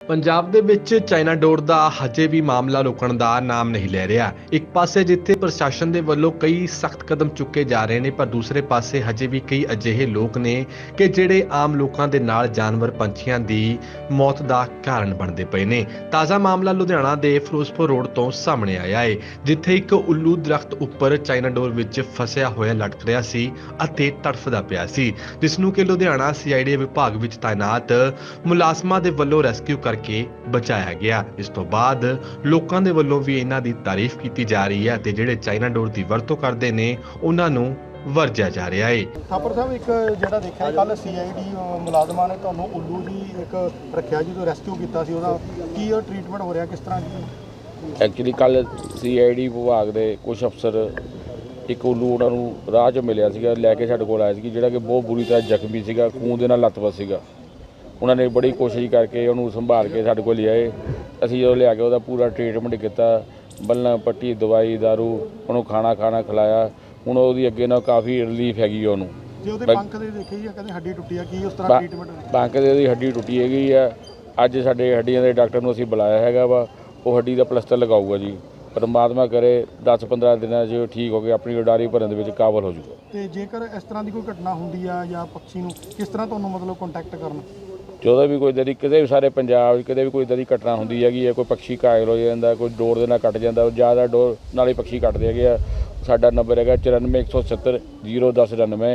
ਪੰਜਾਬ ਦੇ ਵਿੱਚ ਚਾਈਨਾ ਡੋਰ ਦਾ ਹਜੇ ਵੀ ਮਾਮਲਾ ਰੁਕਣ ਦਾ ਨਾਮ ਨਹੀਂ ਲੈ ਰਿਹਾ। ਇੱਕ ਪਾਸੇ ਜਿੱਥੇ ਪ੍ਰਸ਼ਾਸਨ ਦੇ ਵੱਲੋਂ ਕਈ ਸਖਤ ਕਦਮ ਚੁੱਕੇ ਜਾ ਰਹੇ ਨੇ, ਪਰ ਦੂਸਰੇ ਪਾਸੇ ਹਜੇ ਵੀ ਕਈ ਅਜਿਹੇ ਲੋਕ ਨੇ ਕਿ ਜਿਹੜੇ ਆਮ ਲੋਕਾਂ ਦੇ ਨਾਲ ਜਾਨਵਰ ਪੰਛੀਆਂ ਦੀ ਮੌਤ ਦਾ ਕਾਰਨ ਬਣਦੇ ਪਏ ਨੇ। ਤਾਜ਼ਾ ਮਾਮਲਾ ਲੁਧਿਆਣਾ ਦੇ ਫਿਰੋਜ਼ਪੁਰ ਰੋਡ ਤੋਂ ਸਾਹਮਣੇ ਆਇਆ ਹੈ, ਜਿੱਥੇ ਇੱਕ ਉੱਲੂ ਦਰਖਤ ਉੱਪਰ ਚਾਈਨਾ ਡੋਰ ਵਿੱਚ ਫਸਿਆ ਹੋਇਆ ਲਟਕ ਰਿਹਾ ਸੀ ਅਤੇ ਤੜਫਦਾ ਪਿਆ ਸੀ, ਜਿਸ ਨੂੰ ਕਿ ਲੁਧਿਆਣਾ CID ਵਿਭਾਗ ਵਿੱਚ ਤਾਇਨਾਤ ਮੁਲਾਜ਼ਮਾਂ ਦੇ ਵੱਲੋਂ ਰੈਸਕਿਊ ਕਰਕੇ ਬਚਾਇਆ ਗਿਆ। ਇਸ ਤੋਂ ਬਾਅਦ ਲੋਕਾਂ ਦੇ ਵੱਲੋਂ ਵੀ ਇਹਨਾਂ ਦੀ ਤਾਰੀਫ ਕੀਤੀ ਜਾ ਰਹੀ ਹੈ ਤੇ ਜਿਹੜੇ ਚਾਈਨਾ ਡੋਰ ਦੀ ਵਰਤੋਂ ਕਰਦੇ ਨੇ ਉਹਨਾਂ ਨੂੰ ਵਰਜਿਆ ਜਾ ਰਿਹਾ ਹੈ। ਥਾਪਰ ਸਾਹਿਬ, ਇੱਕ ਜਿਹੜਾ ਦੇਖਿਆ ਕੱਲ CID ਮੁਲਾਜ਼ਮਾਂ ਨੇ ਤੁਹਾਨੂੰ ਉੱਲੂ ਦੀ ਇੱਕ ਰੱਖਿਆ ਜਦੋਂ ਰੈਸਕਿਊ ਕੀਤਾ ਸੀ, ਉਹਦਾ ਕੀ ਟ੍ਰੀਟਮੈਂਟ ਹੋ ਰਿਹਾ, ਕਿਸ ਤਰ੍ਹਾਂ ਜੀ? ਐਕਚੁਅਲੀ ਕੱਲ CID ਵਿਭਾਗ ਦੇ ਕੁਝ ਅਫਸਰ ਇੱਕ ਉੱਲੂ ਉਹਨਾਂ ਨੂੰ ਰਾਹ 'ਚ ਮਿਲਿਆ ਸੀਗਾ, ਲੈ ਕੇ ਸਾਡੇ ਕੋਲ ਆਇਆ ਸੀ, ਜਿਹੜਾ ਕਿ ਬਹੁਤ ਬੁਰੀ ਤਰ੍ਹਾਂ ਜ਼ਖਮੀ ਸੀਗਾ, ਖੂਨ ਦੇ ਨਾਲ ਲੱਤਵਸ ਸੀਗਾ। ਉਹਨਾਂ ਨੇ ਬੜੀ ਕੋਸ਼ਿਸ਼ ਕਰਕੇ ਉਹਨੂੰ ਸੰਭਾਲ ਕੇ ਸਾਡੇ ਕੋਲ ਲਿਆਏ। ਅਸੀਂ ਜਦੋਂ ਲਿਆ ਕੇ ਉਹਦਾ ਪੂਰਾ ਟ੍ਰੀਟਮੈਂਟ ਕੀਤਾ, ਬੱਲ੍ਹਾਂ ਪੱਟੀ, ਦਵਾਈ ਦਾਰੂ, ਉਹਨੂੰ ਖਾਣਾ ਖਿਲਾਇਆ। ਹੁਣ ਉਹਦੀ ਅੱਗੇ ਨਾਲ ਕਾਫੀ ਰਿਲੀਫ ਹੈਗੀ ਉਹਨੂੰ। ਜੇ ਉਹਦੇ ਪੰਖ ਦੇ ਦੇਖੇ ਜੀ, ਕਹਿੰਦੇ ਹੱਡੀ ਟੁੱਟੀ ਆ, ਕੀ ਉਸ ਤਰ੍ਹਾਂ ਟ੍ਰੀਟਮੈਂਟ? ਪੰਖ ਦੇ ਉਹਦੀ ਹੱਡੀ ਟੁੱਟੀ ਹੈਗੀ ਆ। ਅੱਜ ਸਾਡੇ ਹੱਡੀਆਂ ਦੇ ਡਾਕਟਰ ਨੂੰ ਅਸੀਂ ਬੁਲਾਇਆ ਹੈਗਾ ਵਾ, ਉਹ ਹੱਡੀ ਦਾ ਪਲਸਤਰ ਲਗਾਊਗਾ ਜੀ। ਪਰਮਾਤਮਾ ਕਰੇ 10-15 ਦਿਨਾਂ 'ਚ ਠੀਕ ਹੋ ਕੇ ਆਪਣੀ ਉਡਾਰੀ ਭਰਨ ਦੇ ਵਿੱਚ ਕਾਬਲ ਹੋ ਜਾਊਗਾ। ਤੇ ਜੇਕਰ ਇਸ ਤਰ੍ਹਾਂ ਦੀ ਕੋਈ ਘਟਨਾ ਹੁੰਦੀ ਆ ਜਾਂ ਪੰਛੀ ਨੂੰ ਕਿਸ ਤਰ੍ਹਾਂ ਤੁਹਾਨੂੰ ਮਤਲਬ ਕੰਟੈਕਟ ਕਰਨਾ? ਜਦੋਂ ਵੀ ਕੋਈ ਇੱਦਾਂ ਕਿਸੇ ਵੀ ਸਾਰੇ ਪੰਜਾਬ 'ਚ ਕਿਤੇ ਵੀ ਕੋਈ ਇੱਦਾਂ ਦੀ ਘਟਨਾ ਹੁੰਦੀ ਹੈਗੀ ਹੈ, ਕੋਈ ਪੰਛੀ ਘਾਇਲ ਹੋ ਜਾਂਦਾ, ਕੋਈ ਡੋਰ ਦੇ ਨਾਲ ਕੱਟ ਜਾਂਦਾ, ਜ਼ਿਆਦਾ ਡੋਰ ਨਾਲ ਹੀ ਪੰਛੀ ਕੱਟਦੇ ਹੈਗੇ ਆ। ਸਾਡਾ ਨੰਬਰ ਹੈਗਾ 9417 01099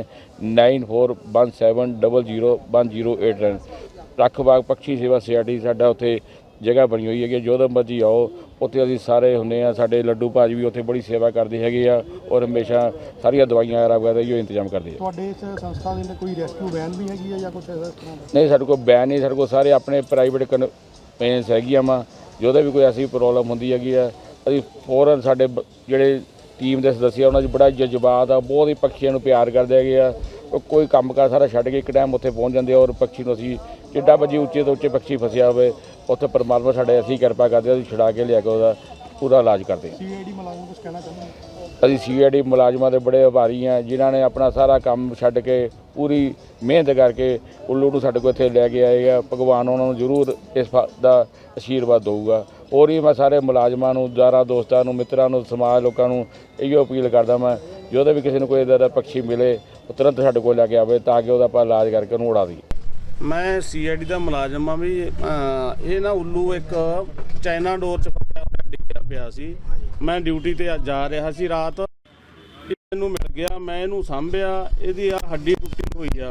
9417001089। ਰੱਖ ਬਾਗ ਪੰਛੀ ਸੇਵਾ ਸੁਸਾਇਟੀ ਸਾਡਾ ਉੱਥੇ ਜਗ੍ਹਾ ਬਣੀ ਹੋਈ ਹੈਗੀ, ਜਦੋਂ ਮਰਜ਼ੀ ਆਓ, ਉੱਥੇ ਅਸੀਂ ਸਾਰੇ ਹੁੰਦੇ ਆ। ਸਾਡੇ ਲੱਡੂ ਭਾਜੀ ਵੀ ਉੱਥੇ ਬੜੀ ਸੇਵਾ ਕਰਦੇ ਹੈਗੇ ਆ, ਔਰ ਹਮੇਸ਼ਾ ਸਾਰੀਆਂ ਦਵਾਈਆਂ ਵਗੈਰਾ ਇਹੋ ਇੰਤਜ਼ਾਮ ਕਰਦੇ ਆ। ਤੁਹਾਡੇ ਇਸ ਸੰਸਥਾ ਦੇ ਕੋਈ ਰੈਸਕਿਊ ਵੈਨ ਵੀ ਹੈਗੀ ਆ ਜਾਂ ਕੁਛ ਇਸ ਤਰ੍ਹਾਂ? ਨਹੀਂ, ਸਾਡੇ ਕੋਲ ਵੈਨ ਨਹੀਂ, ਸਾਡੇ ਕੋਲ ਸਾਰੇ ਆਪਣੇ ਪ੍ਰਾਈਵੇਟ ਕਨਵੈਂਸ ਹੈਗੀਆਂ ਵਾ। ਜਦੋਂ ਵੀ ਕੋਈ ਐਸੀ ਪ੍ਰੋਬਲਮ ਹੁੰਦੀ ਹੈਗੀ ਆ, ਅਸੀਂ ਫੌਰਨ ਸਾਡੇ ਜਿਹੜੇ ਟੀਮ ਦੇ ਸਦੱਸਿਆ ਉਹਨਾਂ 'ਚ ਬੜਾ ਜਜ਼ਬਾਤ ਆ, ਬਹੁਤ ਹੀ ਪੰਛੀਆਂ ਨੂੰ ਪਿਆਰ ਕਰਦੇ ਹੈਗੇ ਆ। ਕੋਈ ਕੰਮ ਕਾਰ ਸਾਰਾ ਛੱਡ ਕੇ ਇੱਕ ਟਾਈਮ ਉੱਥੇ ਪਹੁੰਚ ਜਾਂਦੇ ਆ, ਔਰ ਪੰਛੀ ਨੂੰ ਅਸੀਂ ਜਿੱਡਾ ਮਰਜ਼ੀ ਉੱਚੇ ਤੋਂ ਉੱਚੇ ਪੰਛੀ ਫਸਿਆ ਹੋਵੇ, ਉੱਥੇ ਪਰਮਾਤਮਾ ਸਾਡੇ ਅਸੀਂ ਕਿਰਪਾ ਕਰਦੇ, ਅਸੀਂ ਛੁਡਾ ਕੇ ਲਿਆ ਕੇ ਉਹਦਾ ਪੂਰਾ ਇਲਾਜ ਕਰਦੇ ਹਾਂ। CID ਮੁਲਾਜ਼ਮ ਕੁਝ ਕਹਿਣਾ ਚਾਹੁੰਦੇ? ਅਸੀਂ CID ਮੁਲਾਜ਼ਮਾਂ ਦੇ ਬੜੇ ਆਭਾਰੀ ਹਾਂ, ਜਿਨ੍ਹਾਂ ਨੇ ਆਪਣਾ ਸਾਰਾ ਕੰਮ ਛੱਡ ਕੇ ਪੂਰੀ ਮਿਹਨਤ ਕਰਕੇ ਉੱਲੂ ਨੂੰ ਸਾਡੇ ਕੋਲ ਇੱਥੇ ਲੈ ਕੇ ਆਏ ਆ। ਭਗਵਾਨ ਉਹਨਾਂ ਨੂੰ ਜ਼ਰੂਰ ਇਸ ਦਾ ਆਸ਼ੀਰਵਾਦ ਦੇਊਗਾ। ਹੋਰ ਵੀ ਮੈਂ ਸਾਰੇ ਮੁਲਾਜ਼ਮਾਂ ਨੂੰ, ਯਾਰਾਂ ਦੋਸਤਾਂ ਨੂੰ, ਮਿੱਤਰਾਂ ਨੂੰ, ਸਮਾਜ ਲੋਕਾਂ ਨੂੰ ਇਹੋ ਅਪੀਲ ਕਰਦਾ ਮੈਂ, ਜਦੋਂ ਵੀ ਕਿਸੇ ਨੂੰ ਕੋਈ ਇੱਦਾਂ ਦਾ ਪੰਛੀ ਮਿਲੇ ਉਹ ਤੁਰੰਤ ਸਾਡੇ ਕੋਲ ਲੈ ਕੇ ਆਵੇ, ਤਾਂ ਕਿ ਉਹਦਾ ਆਪਾਂ ਇਲਾਜ ਕਰਕੇ ਉਹਨੂੰ ਉਡਾ ਦਈਏ। ਮੈਂ CID ਦਾ ਮੁਲਾਜ਼ਮ ਆ ਵੀ। ਇਹ ਨਾ ਉੱਲੂ ਇੱਕ ਚਾਈਨਾ ਡੋਰ 'ਚ ਡਿੱਗਿਆ ਪਿਆ ਸੀ। ਮੈਂ ਡਿਊਟੀ ਤੇ ਜਾ ਰਿਹਾ ਸੀ ਰਾਤ, ਮੈਨੂੰ ਮਿਲ ਗਿਆ, ਮੈਂ ਇਹਨੂੰ ਸਾਂਭਿਆ। ਇਹਦੀ ਆ ਹੱਡੀ ਟੁੱਟੀ ਹੋਈ ਆ,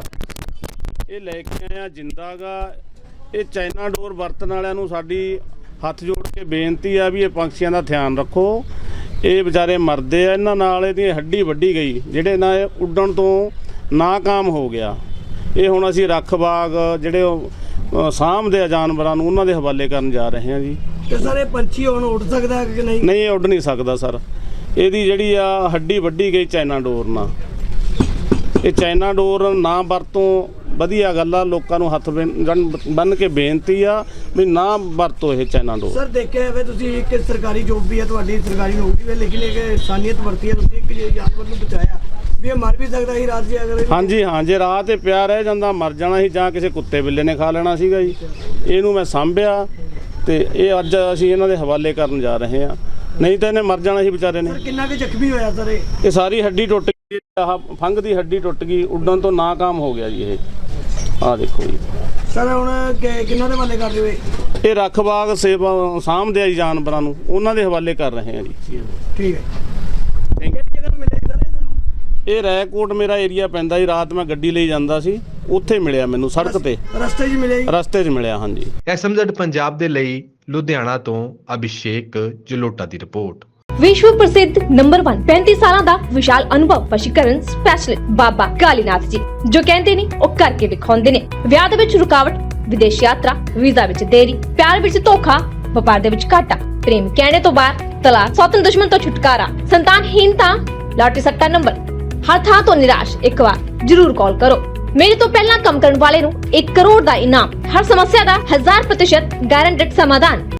ਇਹ ਲੈ ਕੇ ਆਇਆ ਜਿੰਦਾ ਗਾ। ਇਹ ਚਾਈਨਾ ਡੋਰ ਵਰਤਣ ਵਾਲਿਆਂ ਨੂੰ ਸਾਡੀ ਹੱਥ ਜੋੜ ਕੇ ਬੇਨਤੀ ਆ ਵੀ ਇਹ ਪੰਛੀਆਂ ਦਾ ਧਿਆਨ ਰੱਖੋ। ਇਹ ਵਿਚਾਰੇ ਮਰਦੇ ਆ, ਇਹਨਾਂ ਨਾਲ ਇਹਦੀ ਹੱਡੀ ਵੱਢੀ ਗਈ, ਜਿਹੜੇ ਨਾਲ ਇਹ ਉੱਡਣ ਤੋਂ ਨਾਕਾਮ ਹੋ ਗਿਆ। ਇਹ ਹੁਣ ਅਸੀਂ ਰੱਖ ਬਾਗ ਜਿਹੜੇ ਸਾਂਭਦੇ ਆ ਜਾਨਵਰਾਂ ਨੂੰ, ਉਹਨਾਂ ਦੇ ਹਵਾਲੇ ਕਰਨ ਜਾ ਰਹੇ ਹਾਂ ਜੀ। ਤੇ ਸਰ ਇਹ ਪੰਛੀ ਹੁਣ ਉੱਡ ਸਕਦਾ ਹੈ ਕਿ ਨਹੀਂ? ਨਹੀਂ, ਉੱਡ ਨਹੀਂ ਸਕਦਾ ਸਰ। ਇਹਦੀ ਜਿਹੜੀ ਆ ਹੱਡੀ ਵੱਢੀ ਗਈ ਚਾਈਨਾ ਡੋਰ ਨਾਲ। ਇਹ ਚਾਈਨਾ ਡੋਰ ਨਾ ਵਰਤੋਂ ਵਧੀਆ ਗੱਲ ਆ। ਲੋਕਾਂ ਨੂੰ ਹੱਥ ਬੰਨ੍ਹ ਕੇ ਬੇਨਤੀ ਆ ਵੀ ਨਾ ਵਰਤੋ ਇਹ ਚਾਈਨਾ ਡੋਰ। ਸਰ ਦੇਖਿਆ ਹੋਵੇ ਤੁਸੀਂ, ਇੱਕ ਸਰਕਾਰੀ ਜੋਬ ਵੀ ਹੈ ਤੁਹਾਡੀ, ਸਰਕਾਰੀ ਨੌਕਰੀ ਹੈ, ਲੇਕਿਨ ਇੱਕ ਇਨਸਾਨੀਅਤ ਵਰਤੀ ਹੈ ਤੁਸੀਂ, ਇੱਕ ਜਾਨਵਰ ਨੂੰ ਬਚਾਇਆ ਵੀ ਇਹ ਮਰ ਵੀ ਸਕਦਾ ਸੀ ਰਾਤ ਜੀ ਅਗਰ? ਹਾਂਜੀ ਹਾਂ, ਜੇ ਰਾਹ ਤੇ ਪਿਆ ਰਹਿ ਜਾਂਦਾ ਮਰ ਜਾਣਾ ਸੀ, ਜਾਂ ਕਿਸੇ ਕੁੱਤੇ ਬਿੱਲੇ ਨੇ ਖਾ ਲੈਣਾ ਸੀਗਾ ਜੀ। ਇਹਨੂੰ ਮੈਂ ਸਾਂਭਿਆ ਤੇ ਇਹ ਅੱਜ ਅਸੀਂ ਇਹਨਾਂ ਦੇ ਹਵਾਲੇ ਕਰਨ ਜਾ ਰਹੇ ਹਾਂ, ਨਹੀਂ ਤਾਂ ਇਹਨੇ ਮਰ ਜਾਣਾ ਸੀ ਵਿਚਾਰੇ ਨੇ। ਕਿੰਨਾ ਕੁ ਜ਼ਖਮੀ ਹੋਇਆ ਸਰ ਇਹ ਸਾਰੀ ਹੱਡੀ ਟੁੱਟ ਗਈ, ਆਹ ਫੰਗ ਦੀ ਹੱਡੀ ਟੁੱਟ ਗਈ, ਉੱਡਣ ਤੋਂ ਨਾਕਾਮ ਹੋ ਗਿਆ ਜੀ ਇਹ। ਆਹ ਦੇਖੋ ਜੀ ਸਰ, ਹੁਣ ਕਿੰਨਾਂ ਦੇ ਹਵਾਲੇ ਕਰ ਰਹੇ ਹੋਏ? ਇਹ ਰੱਖ ਬਾਗ ਸੇਵਾ ਸਾਂਭਦੇ ਆ ਜੀ ਜਾਨਵਰਾਂ ਨੂੰ, ਉਹਨਾਂ ਦੇ ਹਵਾਲੇ ਕਰ ਰਹੇ ਆ ਜੀ। ਠੀਕ ਹੈ। ਇਹ ਰੈਕੋਟ ਮੇਰਾ ਏਰੀਆ ਪੈਂਦਾ ਜੀ। ਰਾਤ ਮੈਂ ਗੱਡੀ ਲਈ ਜਾਂਦਾ ਸੀ, ਉੱਥੇ ਮਿਲਿਆ ਮੈਨੂੰ ਸੜਕ ਤੇ, ਰਸਤੇ 'ਚ ਮਿਲਿਆ ਜੀ? ਰਸਤੇ 'ਚ ਮਿਲਿਆ, ਹਾਂਜੀ। SMZ ਪੰਜਾਬ ਦੇ ਲਈ ਲੁਧਿਆਣਾ ਤੋਂ ਅਭਿਸ਼ੇਕ ਜਲੋਟਾ ਦੀ ਰਿਪੋਰਟ। विश्व प्रसिद्ध नंबर 1 35 ਸਾਲਾਂ ਦਾ ਵਿਸ਼ਾਲ ਅਨੁਭਵ ਵਸ਼ੀਕਰਨ ਸਪੈਸ਼ਲਿਸਟ ਬਾਬਾ ਕਾਲੀਨਾਥ ਜੀ, ਜੋ ਕਹਿੰਦੇ ਨੇ ਉਹ ਕਰਕੇ ਦਿਖਾਉਂਦੇ ਨੇ। ਵਿਆਹ ਦੇ ਵਿੱਚ ਰੁਕਾਵਟ, ਵਿਦੇਸ਼ ਯਾਤਰਾ, ਵੀਜ਼ਾ ਵਿੱਚ ਦੇਰੀ, ਪਿਆਰ ਵਿੱਚ ਧੋਖਾ, ਵਪਾਰ ਦੇ ਵਿੱਚ ਘਾਟਾ, ਪ੍ਰੇਮ ਕਹਿਣੇ ਤੋਂ ਬਾਹਰ, ਤਲਾਕ, ਸੌਤਨ ਦੁਸ਼ਮਣ ਤੋਂ ਛੁਟਕਾਰਾ, ਸੰਤਾਨਹੀਨਤਾ, ਲਾਟਰੀ ਸੱਟਾ ਨੰਬਰ, ਹਰ ਥਾਂ ਤੋਂ ਨਿਰਾਸ਼। ਇੱਕ ਵਾਰ ਜਰੂਰ ਕਾਲ ਕਰੋ। ਮੇਰੇ ਤੋਂ ਪਹਿਲਾਂ ਕੰਮ ਕਰਨ ਵਾਲੇ ਨੂੰ 1 ਕਰੋੜ ਦਾ ਇਨਾਮ, ਹਰ ਸਮੱਸਿਆ ਦਾ 1000% ਗਾਰੰਟਡ ਸਮਾਧਾਨ।